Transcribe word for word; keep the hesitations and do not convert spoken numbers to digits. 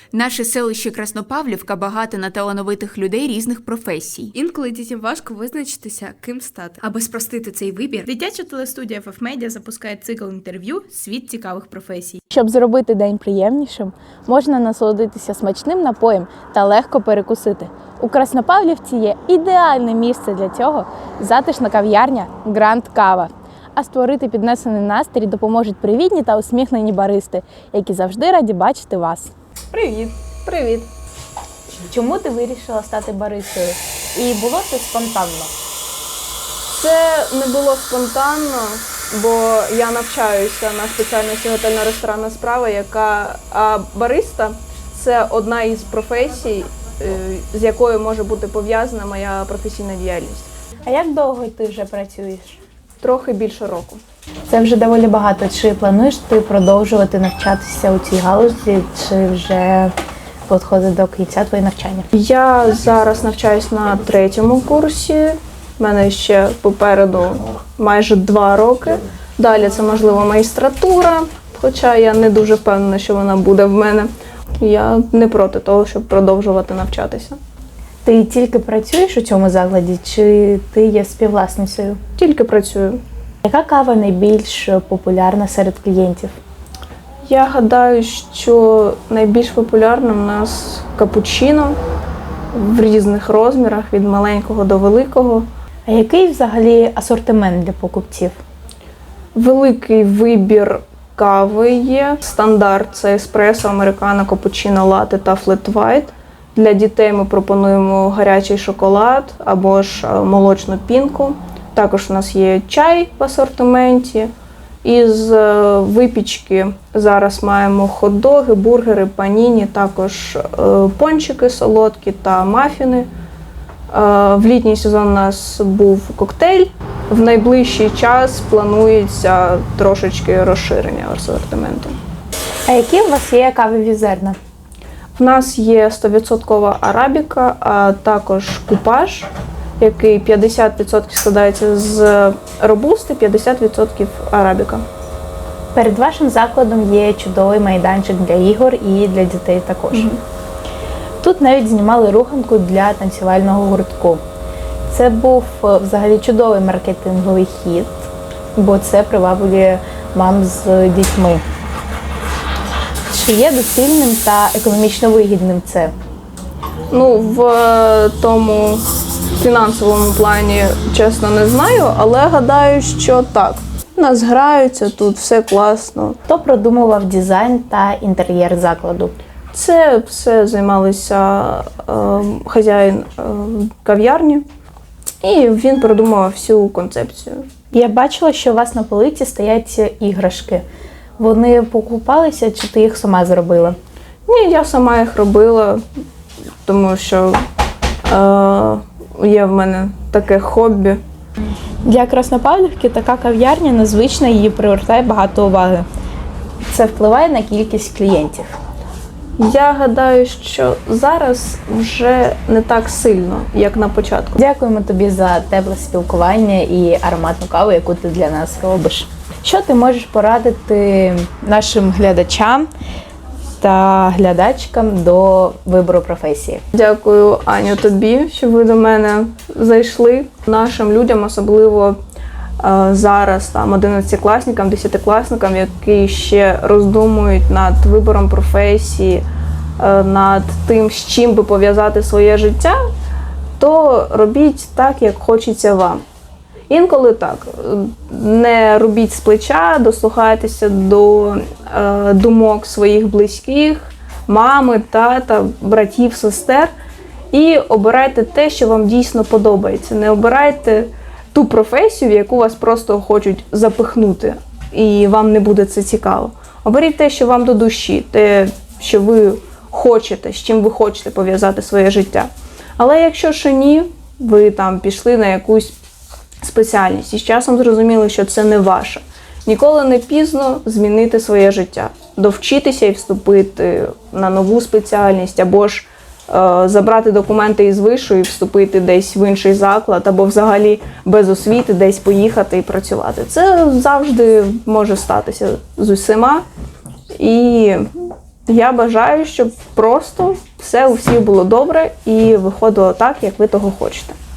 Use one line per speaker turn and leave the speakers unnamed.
Наше селище Краснопавлівка багато на талановитих людей різних професій.
Інколи дітям важко визначитися, ким стати. Аби спростити цей вибір, дитяча телестудія еф еф Media запускає цикл інтерв'ю «Світ цікавих професій».
Щоб зробити день приємнішим, можна насолодитися смачним напоєм та легко перекусити. У Краснопавлівці є ідеальне місце для цього – затишна кав'ярня «Гранд Кава». А створити піднесений настрій допоможуть привітні та усміхнені баристи, які завжди раді бачити вас.
Привіт! Привіт!
Чому ти вирішила стати баристою? І було це спонтанно?
Це не було спонтанно, бо я навчаюся на спеціальності готельно-ресторанна справа, яка а бариста – це одна із професій, з якою може бути пов'язана моя професійна діяльність.
А як довго ти вже працюєш?
Трохи більше року.
Це вже доволі багато. Чи плануєш ти продовжувати навчатися у цій галузі, чи вже підходить до кінця твоє навчання?
Я зараз навчаюсь на третьому курсі. У мене ще попереду майже два роки. Далі це, можливо, магістратура, хоча я не дуже впевнена, що вона буде в мене. Я не проти того, щоб продовжувати навчатися.
Ти тільки працюєш у цьому закладі, чи ти є співвласницею?
Тільки працюю.
Яка кава найбільш популярна серед клієнтів?
Я гадаю, що найбільш популярним у нас капучино в різних розмірах, від маленького до великого.
А який взагалі асортимент для покупців?
Великий вибір кави є. Стандарт – це еспресо, американо, капучино, латте та флет вайт. Для дітей ми пропонуємо гарячий шоколад або ж молочну пінку. Також у нас є чай в асортименті. Із випічки зараз маємо хот-доги, бургери, паніні, також пончики солодкі та мафіни. В літній сезон у нас був коктейль. В найближчий час планується трошечки розширення асортименту.
А які у вас є кавові зерна?
В нас є сто відсотків арабіка, а також купаж, який п'ятдесят відсотків складається з робусти, п'ятдесят відсотків арабіка.
Перед вашим закладом є чудовий майданчик для ігор і для дітей також. Mm-hmm. Тут навіть знімали руханку для танцювального гуртку. Це був взагалі чудовий маркетинговий хід, бо це приваблює мам з дітьми. Чи є доцільним та економічно вигідним це?
Ну, в тому фінансовому плані, чесно, не знаю, але гадаю, що так. У нас граються, тут все класно.
Хто продумував дизайн та інтер'єр закладу?
Це все займалися е, хазяїн е, кав'ярні, і він продумував всю концепцію.
Я бачила, що у вас на полиці стоять іграшки. Вони покупалися, чи ти їх сама зробила?
Ні, я сама їх робила, тому що е, є в мене таке хобі.
Для Краснопавлівки така кав'ярня незвична, її привертає багато уваги. Це впливає на кількість клієнтів?
Я гадаю, що зараз вже не так сильно, як на початку.
Дякуємо тобі за тепле спілкування і ароматну каву, яку ти для нас робиш. Що ти можеш порадити нашим глядачам та глядачкам до вибору професії?
Дякую, Аню, тобі, що ви до мене зайшли. Нашим людям, особливо е, зараз, там, одинадцятикласникам, десятикласникам, які ще роздумують над вибором професії, е, над тим, з чим би пов'язати своє життя, то робіть так, як хочеться вам. Інколи так, не робіть з плеча, дослухайтеся до е, думок своїх близьких, мами, тата, братів, сестер і обирайте те, що вам дійсно подобається. Не обирайте ту професію, в яку вас просто хочуть запихнути, і вам не буде це цікаво. Оберіть те, що вам до душі, те, що ви хочете, з чим ви хочете пов'язати своє життя. Але якщо ще ні, ви там пішли на якусь спеціальність і з часом зрозуміли, що це не ваше. Ніколи не пізно змінити своє життя, довчитися і вступити на нову спеціальність, або ж е, забрати документи із вишу і вступити десь в інший заклад, або взагалі без освіти десь поїхати і працювати. Це завжди може статися з усіма. І Я бажаю, щоб просто все у всіх було добре і виходило так, як ви того хочете.